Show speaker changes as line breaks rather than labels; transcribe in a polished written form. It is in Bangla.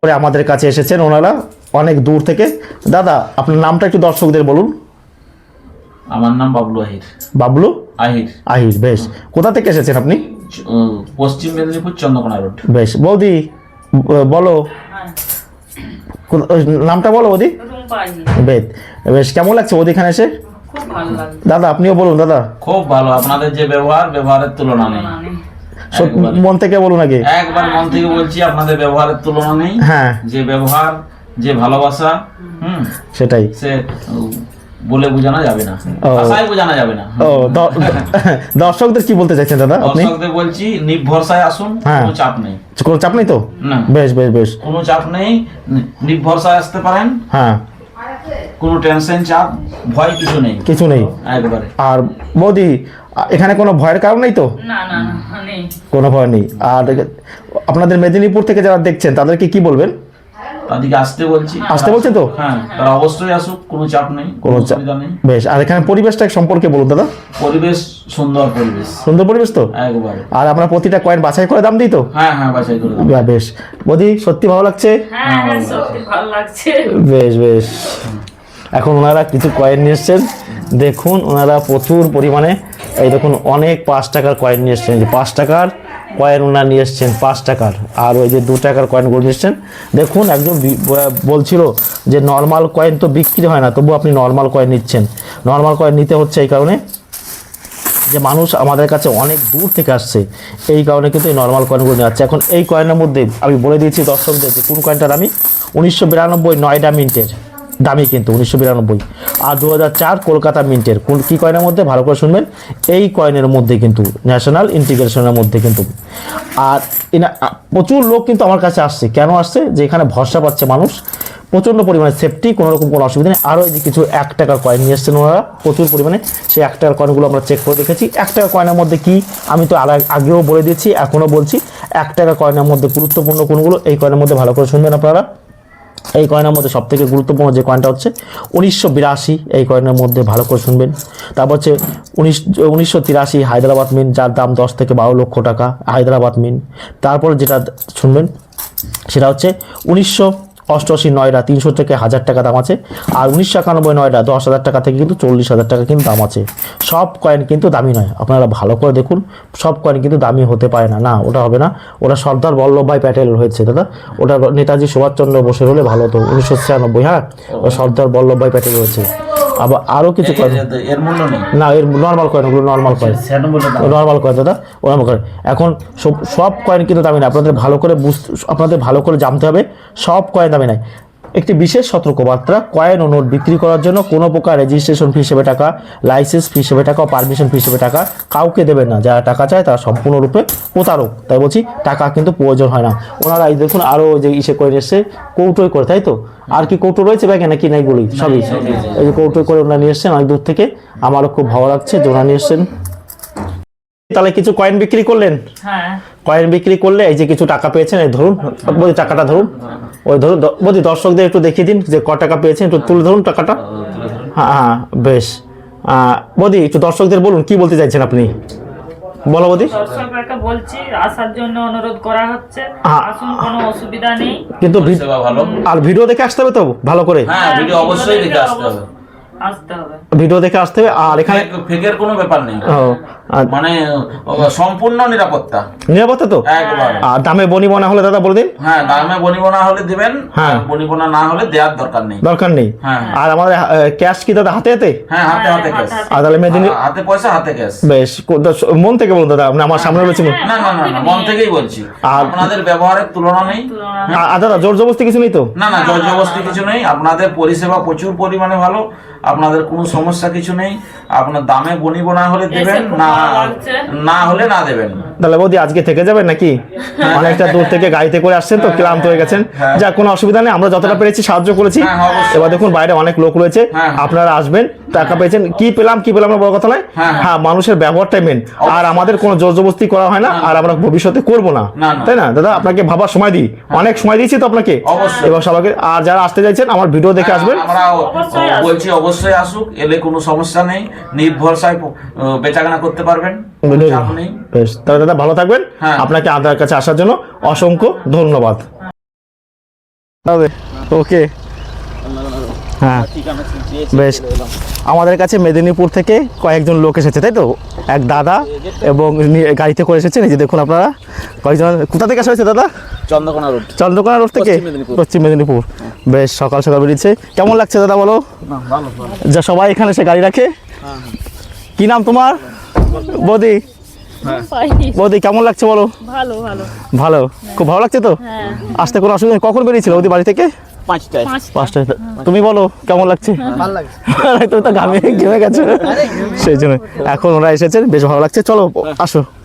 করে আমাদের কাছে এসেছেন ওনারা অনেক দূর থেকে। দাদা আপনার নামটা একটু দর্শকদের বলুন।
আমার নাম বাবলু আহির।
বাবলু
আহির।
আহির, বেশ। কোথা থেকে এসেছেন আপনি?
পশ্চিম মেদিনীপুর চন্দ্রকোনা রোড।
বেশ। বৌদি বলো নামটা বলো বৌদি। বেশ বেশ, কেমন লাগছে বৌদি এখানে এসে? দাদা আপনিও বলুন। দাদা
খুব ভালো, আপনাদের যে ব্যবহারের তুলনা নেই।
মন থেকে বলুন আগে।
একবার মন থেকে বলছি, আপনাদের ব্যবহারের তুলনা নেই।
হ্যাঁ,
যে ব্যবহার, যে ভালোবাসা,
সেটাই
সে বলে বোঝানো যাবে না, ভাষায় বোঝানো যাবে না।
দর্শকদের কি বলতে চাইছেন দাদা আপনি?
দর্শকদের বলছি নির্ভরসায় আসুন, কোনো চাপ নেই।
কোনো চাপ নেই তো?
না,
বেশ বেশ বেশ,
কোনো চাপ নেই, নির্ভরসায় আসতে পারেন।
হ্যাঁ,
কোনো টেনশন, চাপ, ভয় কিছু নেই,
কিছু নেই
একবারে।
আর বৌদি এখানে কোনো ভয়ের কারণ নেই তো?
না না না, নেই,
কোনো ভয় নেই। আর আপনাদের মেদিনীপুর থেকে যারা দেখছেন তাদেরকে কি বলবেন?
তাদেরকে আসতে বলছি।
আসতে বলছেন তো?
হ্যাঁ, তারা অবশ্যই আসুক, কোনো চাপ নেই, কোনো অসুবিধা নেই।
বেশ। আর এখানে পরিবেশটা সম্পর্কে বলুন দাদা।
পরিবেশ সুন্দর, পরিবেশ
সুন্দর পরিবেশ তো
একবারে।
আর আমরা প্রতিটা কয়েন বাছাই করে দাম দিই তো?
হ্যাঁ হ্যাঁ, বাছাই করে দাও।
বেশ। বৌদি সত্যি ভালো লাগছে?
হ্যাঁ হ্যাঁ, সত্যি ভালো লাগছে।
বেশ বেশ। এখন ওনারা কিছু কয়েন নিয়ে এসছেন, দেখুন ওনারা প্রচুর পরিমাণে, এই দেখুন অনেক 5 টাকার কয়েন নিয়ে এসছেন। যে 5 টাকার কয়েন ওনারা নিয়ে এসছেন, 5 টাকার। আর ওই যে 2 টাকার কয়েনগুলো নিয়ে এসছেন। দেখুন একজন বলছিল যে নর্মাল কয়েন তো বিক্রি হয় না, তবু আপনি নর্মাল কয়েন নিচ্ছেন। নর্মাল কয়েন নিতে হচ্ছে এই কারণে যে মানুষ আমাদের কাছে অনেক দূর থেকে আসছে, এই কারণে কিন্তু এই নর্মাল কয়েনগুলো নিয়ে আসছে। এখন এই কয়েনের মধ্যে আমি বলে দিয়েছি দর্শকদের যে কোন কয়েনটার দামি। 1992 নয়ডা মিন্টের দামি কিন্তু 1992, আর 2004 কলকাতা মিন্টের। কোন কী কয়েনের মধ্যে ভালো করে শুনবেন, এই কয়েনের মধ্যে কিন্তু ন্যাশনাল ইন্টিগ্রেশনের মধ্যে কিন্তু। আর প্রচুর লোক কিন্তু আমার কাছে আসছে। কেন আসছে? যে এখানে ভরসা পাচ্ছে মানুষ, প্রচণ্ড পরিমাণে সেফটি, কোনো রকম কোনো অসুবিধা নেই। আরও এই যে কিছু 1 টাকার কয়েন নিয়ে এসছেন ওনারা প্রচুর পরিমাণে। সেই 1 টাকার কয়েনগুলো আমরা চেক করে দেখেছি। 1 টাকার কয়েনের মধ্যে কি আমি তো আগেও বলে দিয়েছি, এখনও বলছি। 1 টাকার কয়েনের মধ্যে গুরুত্বপূর্ণ কোনগুলো, এই কয়েনের মধ্যে ভালো করে শুনবেন আপনারা। এই কয়েনের মধ্যে সবথেকে গুরুত্বপূর্ণ যে কয়েনটা হচ্ছে 1982, এই কয়েনের মধ্যে ভালো করে শুনবেন। তারপর হচ্ছে 1983 হায়দ্রাবাদ মিন্ট, যার দাম 10 থেকে 12 লক্ষ টাকা হায়দ্রাবাদ মিন্ট। তারপর যেটা শুনবেন সেটা হচ্ছে 1988 নয়ডা, 300 থেকে 1000 টাকা দাম আছে। আর 1991 নয়ডা 10,000 টাকা থেকে কিন্তু 40,000 টাকা কিন্তু দাম আছে। সব কয়েন কিন্তু দামি নয়, আপনারা ভালো করে দেখুন। সব কয়েন কিন্তু দামি হতে পারে না, না ওটা হবে না। ওটা সর্দার বল্লভভাই প্যাটেল হয়েছে দাদা, ওটা নেতাজি সুভাষচন্দ্র বোসের হলে ভালো হতো 1996। হ্যাঁ, সর্দার বল্লভভাই প্যাটেল হয়েছে। আবার আরও কিছু কয়েন,
এর মূল্য নেই
না এর নর্মাল কয়েন, ওগুলো নর্মাল কয়েন, নর্মাল কয়েন দাদা, নর্মাল কয়েন। এখন সব কয়েন কিন্তু দামি না, আপনাদের ভালো করে জানতে হবে সব কয়েন দামি নাই। একটি বিশেষ সতর্কবার্তা, কয়েন ও নোট বিক্রি করার জন্য কোনো প্রকার রেজিস্ট্রেশন ফি হিসেবে টাকা, লাইসেন্স ফি হিসেবে টাকা ও পারমিশন ফি হিসেবে টাকা কাউকে দেবেন না। যারা টাকা চায় তারা সম্পূর্ণরূপে প্রতারক। তাই বলছি টাকা কিন্তু প্রয়োজন হয় না। ওনারা এই দেখুন আরও যে করে এসছে কৌটোই করে, তাই তো? আর কি কৌটো রয়েছে ব্যাগে নাকি নাই বলি সবই? এই যে কৌটোই করে ওনারা নিয়ে এসছেন অনেক দূর থেকে, আমারও খুব ভালো লাগছে যে ওনারা নিয়ে এসছেন। তাহলে কিছু কয়েন বিক্রি করলেন?
হ্যাঁ,
কয়েন বিক্রি করলে এই যে কিছু টাকা পেয়েছেন, এই ধরুন বৌদি টাকাটা ধরুন, ওই ধরুন বৌদি দর্শকদের একটু দেখিয়ে দিন যে ক টাকা পেয়েছেন, একটু তুলে ধরুন টাকাটা। হ্যাঁ হ্যাঁ, বেশ। বৌদি একটু দর্শকদের বলুন কি বলতে চাইছেন আপনি, বলো বৌদি।
দর্শকরা বলছি আসার জন্য অনুরোধ করা হচ্ছে, আসুন, কোনো অসুবিধা নেই।
কিন্তু
সেবা ভালো,
আর ভিডিও দেখে আসতে হবে তো ভালো করে?
হ্যাঁ, ভিডিও অবশ্যই দেখে আসতে হবে,
ভিডিও দেখে আসতে হবে। আর এখানে
ফেকের কোনো ব্যাপার নেই, মানে সম্পূর্ণ নিরাপত্তা।
নিরাপত্তা তো
একবারে।
আর দামে বনিবনা হলে দাদা বলে দিন।
হ্যাঁ, দামে বনিবনা হলে দিবেন,
হ্যাঁ,
বনিবনা না হলে দেওয়ার দরকার নেই,
দরকার নেই।
হ্যাঁ,
আর আমাদের ক্যাশ কি দাদা হাতে হাতে?
হ্যাঁ, হাতে হাতে ক্যাশ।
আর তাহলে
হাতে পয়সা, হাতে ক্যাশ।
বেশ, মন থেকে বলুন দাদা, আপনি আমার সামনে বলছেন।
না না না, মন থেকেই বলছি, আপনাদের ব্যবহারের তুলনা নেই।
আর দাদা জোর জবরদস্তি কিছু নেই তো? না
না, জোর জবরদস্তি কিছু নেই। আপনাদের পরিষেবা প্রচুর পরিমাণে ভালো, আপনাদের কোনো সমস্যা কিছু নেই। আপনার দামে বনিবনা হলে দেবেন, না হলে না দেবেন।
তাহলে বৌদি আজকে থেকে যাবেন নাকি? অনেকটা দূর থেকে গাড়িতে করে আসছেন তো, ক্লান্ত হয়ে গেছেন। যা, কোনো অসুবিধা নেই, আমরা যতটা পেরেছি সাহায্য করেছি। এবার দেখুন বাইরে অনেক লোক রয়েছে, আপনারা আসবেন, টাকা পেয়েছেন, কি পেলাম না বড় কথা নয়। হ্যাঁ, মানুষের ব্যবহারটাই মেন। আর আমাদের কোনো জোর জবরদস্তি করা হয় না, আর আমরা ভবিষ্যতে করবো না, তাই না দাদা? আপনাকে ভাবার সময় দিই, অনেক সময় দিয়েছি তো আপনাকে। এবার সবাইকে, আর যারা আসতে চাইছেন আমার ভিডিও দেখে আসবেন।
আমরা বলছি অবশ্যই আসুক, এলে কোনো সমস্যা নেই, নির্ভরসায় বেচাকেনা করতে পারবেন, চাপ নেই।
বেশ, তাহলে দাদা ভালো থাকবেন। আপনাকে আমাদের কাছে আসার জন্য অসংখ্য ধন্যবাদ। হবে ওকে হ্যাঁ বেশ আমাদের কাছে মেদিনীপুর থেকে কয়েকজন লোক এসেছে তাই তো এক দাদা এবং গাড়িতে করে এসেছেন এই যে দেখুন আপনারা কয়েকজন কোথা থেকে আসা হয়েছে দাদা চন্দ্রকোনা রোড থেকে পশ্চিম মেদিনীপুর বেশ সকাল সকাল বেরিয়েছে কেমন লাগছে দাদা বলো যা সবাই এখানে এসে গাড়ি রাখে কি নাম তোমার বৌদি বৌদি কেমন লাগছে বলো
ভালো ভালো
ভালো খুব ভালো লাগছে তো আসতে কোনো অসুবিধা নেই কখন বেরিয়েছিল বৌদি বাড়ি থেকে 5টায় তুমি বলো কেমন লাগছে তুমি তো ঘামে গেছো সেই জন্য এখন ওরা এসেছেন বেশ ভালো লাগছে চলো আসো